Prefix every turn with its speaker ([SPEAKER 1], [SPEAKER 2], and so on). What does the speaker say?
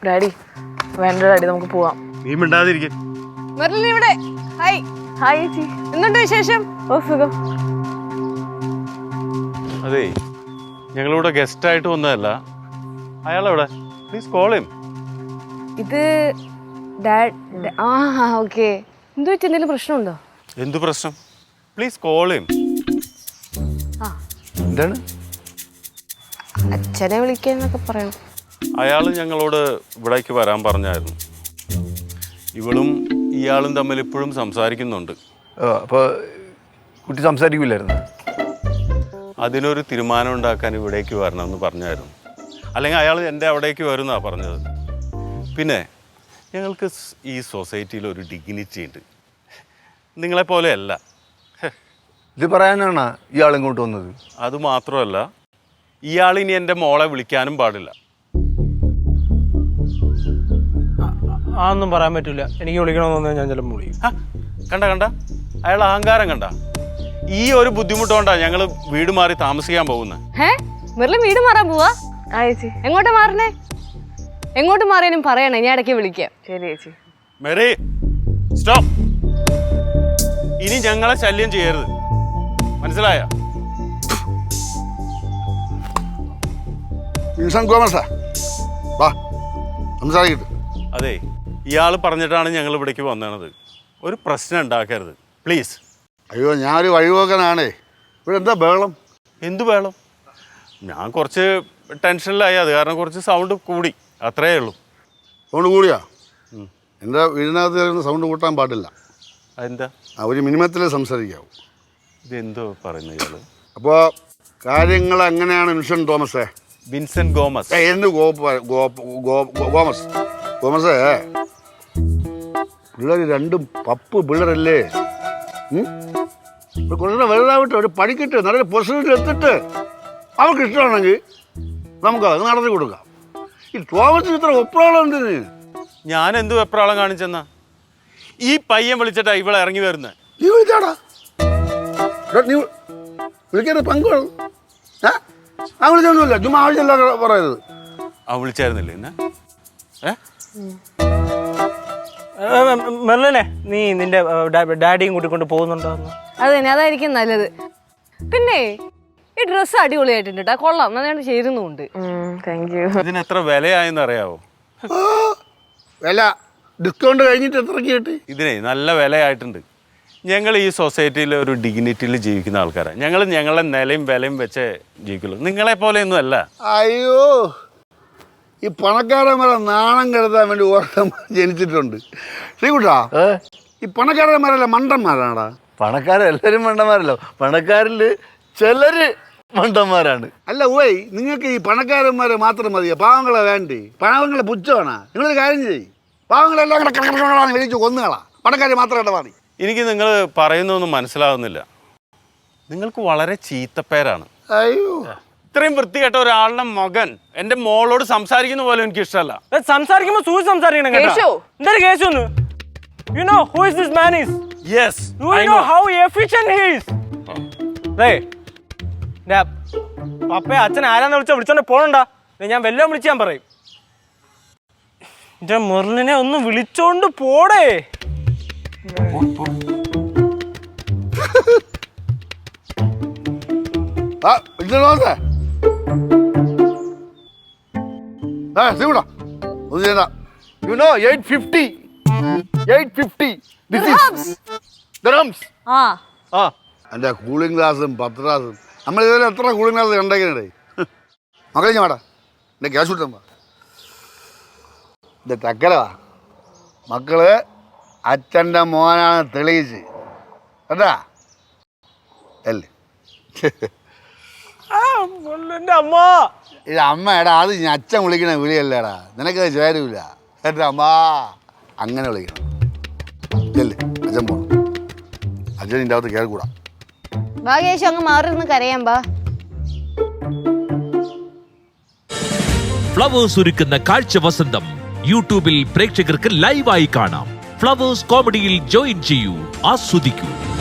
[SPEAKER 1] Daddy വേണ്ട daddy നമുക്ക് പോവാം.
[SPEAKER 2] നീ മിണ്ടാതിരിക്കും.
[SPEAKER 3] മെർലിൻ ഇവിടെ. ഹായ്.
[SPEAKER 1] ഹായ് ചേച്ചി.
[SPEAKER 3] എന്തുണ്ട് വിശേഷം?
[SPEAKER 1] ഓ സുഖം.
[SPEAKER 2] അതെ, ഞങ്ങളിവിടെ ഗസ്റ്റ് ആയിട്ട് വന്നതല്ല. അയാളെവിടെ? Please call him.
[SPEAKER 3] ഇത് ഓക്കെ. എന്തു വെച്ച് എന്തെങ്കിലും പ്രശ്നമുണ്ടോ?
[SPEAKER 2] എന്തു പ്രശ്നം? Please call him.
[SPEAKER 4] എന്താണ്?
[SPEAKER 3] അച്ഛനെ വിളിക്കാന്നൊക്കെ പറയണം.
[SPEAKER 2] അയാൾ ഞങ്ങളോട് ഇവിടേക്ക് വരാൻ പറഞ്ഞായിരുന്നു. ഇവളും ഇയാളും തമ്മിൽ ഇപ്പോഴും സംസാരിക്കുന്നുണ്ട്.
[SPEAKER 4] അപ്പോൾ കുട്ടി സംസാരിക്കില്ലായിരുന്നു?
[SPEAKER 2] അതിനൊരു തീരുമാനം ഉണ്ടാക്കാൻ ഇവിടേക്ക് വരണമെന്ന് പറഞ്ഞായിരുന്നു. അല്ലെങ്കിൽ അയാൾ എൻ്റെ അവിടേക്ക് വരുമെന്നാണ് പറഞ്ഞത്. പിന്നെ ഞങ്ങൾക്ക് ഈ സൊസൈറ്റിയിൽ ഒരു ഡിഗ്നിറ്റി ഉണ്ട്, നിങ്ങളെപ്പോലെയല്ല.
[SPEAKER 4] ഇത് പറയാനാണ് ഇയാൾ ഇങ്ങോട്ട് വന്നത്?
[SPEAKER 2] അതുമാത്രമല്ല, ഇയാൾ ഇനി എൻ്റെ മോളെ വിളിക്കാനും പാടില്ല.
[SPEAKER 5] അതൊന്നും പറയാൻ പറ്റില്ല. എനിക്ക് വിളിക്കണമെന്ന് തോന്നിയാൽ ഞാൻ ചിലപ്പോൾ വിളിക്കും.
[SPEAKER 2] കണ്ട അയാൾ അഹങ്കാരം കണ്ട. ഈ ഒരു ബുദ്ധിമുട്ടുകൊണ്ടാണ് ഞങ്ങൾ വീട് മാറി താമസിക്കാൻ പോകുന്നത്.
[SPEAKER 3] മെർലിൻ വീട് മാറാൻ പോവാ?
[SPEAKER 1] ആ ചേച്ചി.
[SPEAKER 3] എങ്ങോട്ടാ മാറണേ? എങ്ങോട്ട് മാറിയാലും പറയണേ, ഞാൻ ഇടയ്ക്ക് വിളിക്കാം.
[SPEAKER 1] ശരി ചേച്ചി.
[SPEAKER 2] Mary stop. ഇനി ഞങ്ങളെ ശല്യം ചെയ്യരുത്, മനസ്സിലായ? അതെ, ഇയാൾ പറഞ്ഞിട്ടാണ് ഞങ്ങൾ ഇവിടേക്ക് വന്നത്. ഒരു പ്രശ്നം ഉണ്ടാക്കരുത് പ്ലീസ്.
[SPEAKER 6] അയ്യോ, ഞാനൊരു വഴിപോക്കനാണേ. ഇവിടെ എന്താ ബഹളം?
[SPEAKER 2] എന്തു ബഹളം? ഞാൻ കുറച്ച് ടെൻഷനിലായി, അത് കാരണം കുറച്ച് സൗണ്ട് കൂടി, അത്രയേ ഉള്ളൂ.
[SPEAKER 6] സൗണ്ട് കൂടിയാ? എൻ്റെ വീടിനകത്ത് സൗണ്ട് കൂട്ടാൻ പാടില്ല.
[SPEAKER 2] അതെന്താ?
[SPEAKER 6] ഒരു മിനിമത്തിലേ സംസാരിക്കാവൂ.
[SPEAKER 2] ഇതെന്തോ പറയുന്നത് ഇയാൾ?
[SPEAKER 6] അപ്പോൾ കാര്യങ്ങൾ എങ്ങനെയാണ് വിൻസെൻ്റ് തോമസേ?
[SPEAKER 2] Vincent Gomez.
[SPEAKER 6] എന്ത് ഗോമസ്? ഗോമസേ, പിള്ളേർ രണ്ടും പപ്പ് പിള്ളേരല്ലേ? കുറച്ചുകൂടെ വലുതാവട്ടെ, ഒരു പഠിക്കട്ടെ, നല്ലൊരു പൊസിഷനിൽ എത്തിട്ട് അവർക്ക് ഇഷ്ടമാണെങ്കിൽ നമുക്കത് നടത്തി കൊടുക്കാം. ഈ തോമസിന് ഇത്ര വെപ്രാളം എന്തിന്?
[SPEAKER 2] ഞാൻ എന്ത് വെപ്രാളം കാണിച്ചെന്നാ? ഈ പയ്യൻ വിളിച്ചിട്ടാ ഇവളെ ഇറങ്ങി വരുന്നത്.
[SPEAKER 6] നീ വിളിച്ചാടാ? നീ വിളിക്കാതെ പങ്കുവേണം. ആ വിളിച്ചൊന്നുമില്ല, ചുമ്മാ ആവശ്യമില്ല പറയരുത്.
[SPEAKER 2] ആ വിളിച്ചായിരുന്നില്ലേ എന്നെ?
[SPEAKER 5] മെർലിനെ, നീ നിന്റെ ഡാഡിയും കൂട്ടിക്കൊണ്ട് പോകുന്നുണ്ടോ?
[SPEAKER 3] അത് തന്നെ, അതായിരിക്കും നല്ലത്. പിന്നെ ഈ ഡ്രസ്സ് അടിപൊളിയായിട്ടുണ്ട് കേട്ടോ, കൊള്ളാം, നന്നായിട്ട് ചേരുന്നുണ്ട്.
[SPEAKER 1] Thank you.
[SPEAKER 2] ഇതിന് എത്ര വിലയായെന്ന് അറിയാവോ?
[SPEAKER 6] വില ഡിസ്കൗണ്ട് കഴിഞ്ഞിട്ട് എത്രയ്ക്ക് കിട്ടി?
[SPEAKER 2] ഇതിനെ നല്ല വിലയായിട്ടുണ്ട്. ഞങ്ങൾ ഈ സൊസൈറ്റിയിൽ ഒരു ഡിഗ്നിറ്റിയിൽ ജീവിക്കുന്ന ആൾക്കാരാണ്. ഞങ്ങൾ ഞങ്ങളുടെ നിലയും വിലയും വെച്ചേ ജീവിക്കുള്ളൂ, നിങ്ങളെ പോലെയൊന്നും അല്ല.
[SPEAKER 6] അയ്യോ, ഈ പണക്കാരന്മാരെ നാണം കെടുത്താൻ വേണ്ടി ഓർമ്മ ജനിച്ചിട്ടുണ്ട്. ശ്രീകുട്ടാ, ഈ പണക്കാരന്മാരല്ല മണ്ടന്മാരാണടാ.
[SPEAKER 4] പണക്കാരെല്ലാവരും മണ്ടന്മാരല്ലോ, പണക്കാരിൽ ചിലര് മണ്ടന്മാരാണ്.
[SPEAKER 6] അല്ല ഓയ്, നിങ്ങൾക്ക് ഈ പണക്കാരന്മാരെ മാത്രം മതിയോ? പാവങ്ങളെ വേണ്ടേ? പാവങ്ങളെ പുച്ഛമാണ്. നിങ്ങളൊരു കാര്യം ചെയ്യും, പാവങ്ങളെല്ലാം കൂടെ വിളിച്ചു കൊന്നുകളാ, പണക്കാരെ മാത്രം ഇടപാടി.
[SPEAKER 2] എനിക്ക് നിങ്ങൾ പറയുന്നൊന്നും മനസ്സിലാവുന്നില്ല. നിങ്ങൾക്ക് വളരെ ചീത്തപ്പേരാണ്.
[SPEAKER 6] അയ്യോ,
[SPEAKER 2] ഇത്രയും വൃത്തികെട്ട ഒരാളുടെ മകൻ എൻ്റെ മോളോട് സംസാരിക്കുന്ന പോലെ എനിക്ക് ഇഷ്ടമല്ല.
[SPEAKER 5] സംസാരിക്കുമ്പോൾ സൂചി സംസാരിക്കണം കേട്ടോ. എന്തൊരു കേസൊന്ന്? You know who is this man is?
[SPEAKER 2] Yes,
[SPEAKER 5] Do you know how efficient he is? Hey, പപ്പയെ അച്ഛൻ ആരാന്ന് വിളിച്ചോണ്ട് പോണണ്ട. ഞാൻ വല്ലതും വിളിച്ച് ഞാൻ പറയും. എന്റെ മെർലിനെ ഒന്ന് വിളിച്ചോണ്ട് പോടേ.
[SPEAKER 6] You know 850. 850. This is dirhams. എൻ്റെ കൂളിംഗ് ഗ്ലാസും 10 ഗ്ലാസും നമ്മൾ ഇതുവരെ എത്ര കൂളിംഗ് ഗ്ലാസ് കണ്ടേക്കണേ? മക്കളെ ഞാൻ വേടാ, എൻ്റെ ക്യാഷ് കിട്ടുമ്പോ ഇത് തക്കലവാ. മക്കള് അച്ഛൻ്റെ മോനാണ് തെളിയിച്ച് കേട്ടാ അല്ലേ? ഇത് അമ്മ എടാ, അത് ഞാൻ അച്ഛൻ വിളിക്കണ വിളിയല്ലേടാ, നിനക്കത് ചേരൂല. കേട്ടാ അമ്മ അങ്ങനെ വിളിക്കണം. ഇല്ലേ, അച്ഛൻ പോണം. അച്ഛൻ ഇതിൻ്റെ അകത്ത് കയറിക്കൂടാ.
[SPEAKER 3] ഭാഗ്യേശു അങ്ങ് മാറിയിരുന്ന് കരയാൻ ബാ.
[SPEAKER 7] ഫ്ലവേഴ്സ് ഒരുക്കുന്ന കാഴ്ച വസന്തം യൂട്യൂബിൽ പ്രേക്ഷകർക്ക് ലൈവായി കാണാം. ഫ്ലവേഴ്സ് കോമഡിയിൽ ജോയിൻ ചെയ്യൂ, ആസ്വദിക്കൂ.